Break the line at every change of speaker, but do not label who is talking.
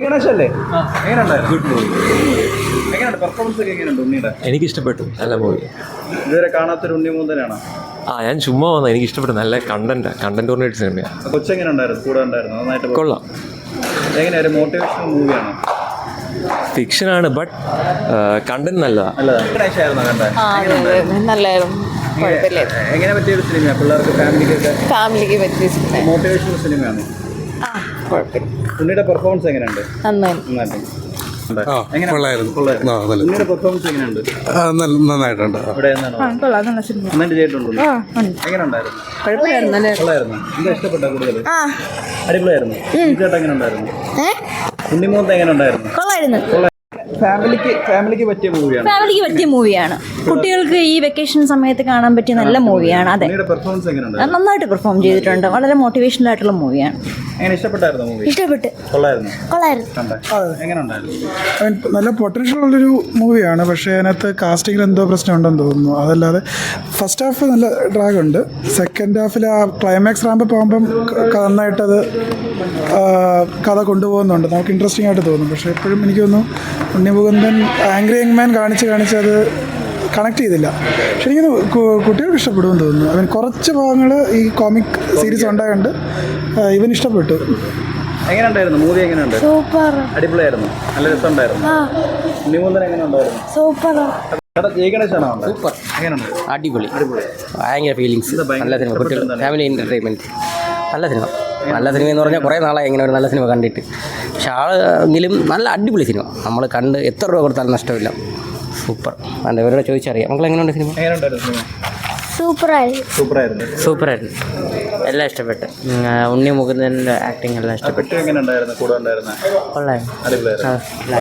ഗണേശല്ലേ എങ്ങനെയുണ്ടായിരുന്നു? Good movie. എങ്ങനെയുണ്ട് performance ഒക്കെ എങ്ങനെയുണ്ട് ഉണ്ണിയുടെ?
എനിക്ക് ഇഷ്ടപ്പെട്ടു, നല്ല മൂവി.
ഇതുവരെ കാണാത്തൊരു ഉണ്ണി മൂന്തനാണ്.
ഞാൻ ചുമ്മാ വന്ന, എനിക്ക് ഇഷ്ടപ്പെട്ടു. നല്ല കണ്ടന്റ് ഓറിയന്റഡ് സിനിമയാണ്.
കൊച്ചെങ്ങനെ ഉണ്ടായിരുന്നു? കൂടെ ഉണ്ടായിരുന്നു? നന്നായിട്ട്
കൊള്ളാം.
എങ്ങനെയാ ഒരു മോട്ടിവേഷണൽ മൂവിയാണോ?
ഫിക്ഷനാണ്, ബട്ട് കണ്ടന്റ് നല്ലതാണ്.
ഗണേശായിരുന്നോ കണ്ടത്?
നല്ലായിരുന്നു.
എങ്ങനെ പറ്റിയൊരു സിനിമയാണ്? പിള്ളേർക്ക്
ഫാമിലിക്ക് പറ്റിയ സിനിമ.
മോട്ടിവേഷണൽ സിനിമയാണ്. ഉണ്ണിയുടെ പെർഫോമൻസ് എങ്ങനെയുണ്ട്? നന്നായിട്ടുണ്ട്. ഉണ്ണിയുടെ പെർഫോമൻസ് എങ്ങനെയുണ്ട്?
നന്നായിട്ടുണ്ട്.
നന്നായിട്ട് ചെയ്തിട്ടുണ്ടോ? എങ്ങനെയുണ്ടായിരുന്നു? കൊള്ളായിരുന്നു. എന്താ ഇഷ്ടപ്പെട്ട കൂടുതൽ? അടിപൊളിയായിരുന്നു. ചേട്ടാ എങ്ങനെ ഉണ്ടായിരുന്നു? ഉണ്ണിമൂന്ത എങ്ങനെ ഉണ്ടായിരുന്നു? ഫാമിലിക്ക് പറ്റിയ മൂവിയാണ്.
ഫാമിലിക്ക് പറ്റിയ മൂവിയാണ്. കുട്ടികൾക്ക് ഈ വെക്കേഷൻ സമയത്ത് കാണാൻ പറ്റിയ നല്ല മൂവിയാണ്. അതെ,
പെർഫോമൻസ് എങ്ങനെയുണ്ട്?
നന്നായിട്ട് പെർഫോം ചെയ്തിട്ടുണ്ട്. വളരെ മോട്ടിവേഷണൽ ആയിട്ടുള്ള മൂവിയാണ്.
എങ്ങനെ ഇഷ്ടപ്പെട്ടായിരുന്നു മൂവി?
ഇഷ്ടപ്പെട്ട്.
കൊള്ളായിരുന്നു. എങ്ങനെ ഉണ്ടായിരുന്നു?
നല്ല പൊട്ടൻഷ്യൽ ഉള്ളൊരു മൂവിയാണ്. പക്ഷേ അതിനകത്ത് കാസ്റ്റിങ്ങിൽ എന്തോ പ്രശ്നമുണ്ടെന്ന് തോന്നുന്നു. അതല്ലാതെ ഫസ്റ്റ് ഹാഫ് നല്ല ഡ്രാഗ് ഉണ്ട്. സെക്കൻഡ് ഹാഫിൽ ആ ക്ലൈമാക്സ് റാമ്പ് പോകുമ്പം നന്നായിട്ടത് കഥ കൊണ്ടുപോകുന്നുണ്ട്. നമുക്ക് ഇൻട്രസ്റ്റിംഗ് ആയിട്ട് തോന്നും. പക്ഷേ എപ്പോഴും എനിക്ക് തോന്നുന്നു Unni Mukundan angry young man കാണിച്ച് അത് കണക്ട് ചെയ്തില്ല. പക്ഷെ എനിക്ക് കുട്ടികൾക്ക് ഇഷ്ടപ്പെടുമെന്ന് തോന്നുന്നു. അവൻ കുറച്ച് ഭാഗങ്ങൾ ഈ കോമിക് സീരീസ് ഉണ്ടായതുകൊണ്ട് ഇവൻ ഇഷ്ടപ്പെട്ടു.
എങ്ങനെയുണ്ടായിരുന്നു മൂവി? എങ്ങനെയുണ്ട്?
സൂപ്പർ.
അടിപൊളിയായിരുന്നു. നല്ല രസമുണ്ടായിരുന്നു. ഉണ്ണിമൂന്തൻ എങ്ങനെ ഉണ്ടായിരുന്നു?
സൂപ്പർ.
സൂപ്പർ. അടിപൊളി. ഭയങ്കര ഫീലിങ്സ്. നല്ല സിനിമ. കുട്ടികൾ ഫാമിലി എൻ്റർടൈൻമെൻറ്റ്. നല്ല സിനിമ എന്ന് പറഞ്ഞാൽ കുറേ നാളായി ഇങ്ങനെ ഒരു നല്ല സിനിമ കണ്ടിട്ട്. പക്ഷെ ആളെങ്കിലും നല്ല അടിപൊളി സിനിമ. നമ്മൾ കണ്ട് എത്ര രൂപ കൊടുത്താലും നഷ്ടമില്ല. സൂപ്പർ. അല്ല, ഇവരോട് ചോദിച്ചറിയാം. മക്കൾ എങ്ങനെയുണ്ട് സിനിമ? സൂപ്പറായിരുന്നു. എല്ലാം ഇഷ്ടപ്പെട്ടു. ഉണ്ണി മുകുന്ദൻ്റെ ആക്ടിങ് എല്ലാം ഇഷ്ടപ്പെട്ടു.
എങ്ങനെ ഉണ്ടായിരുന്നു? കൂടെ ഉണ്ടായിരുന്ന
കൊള്ളായിരുന്നു.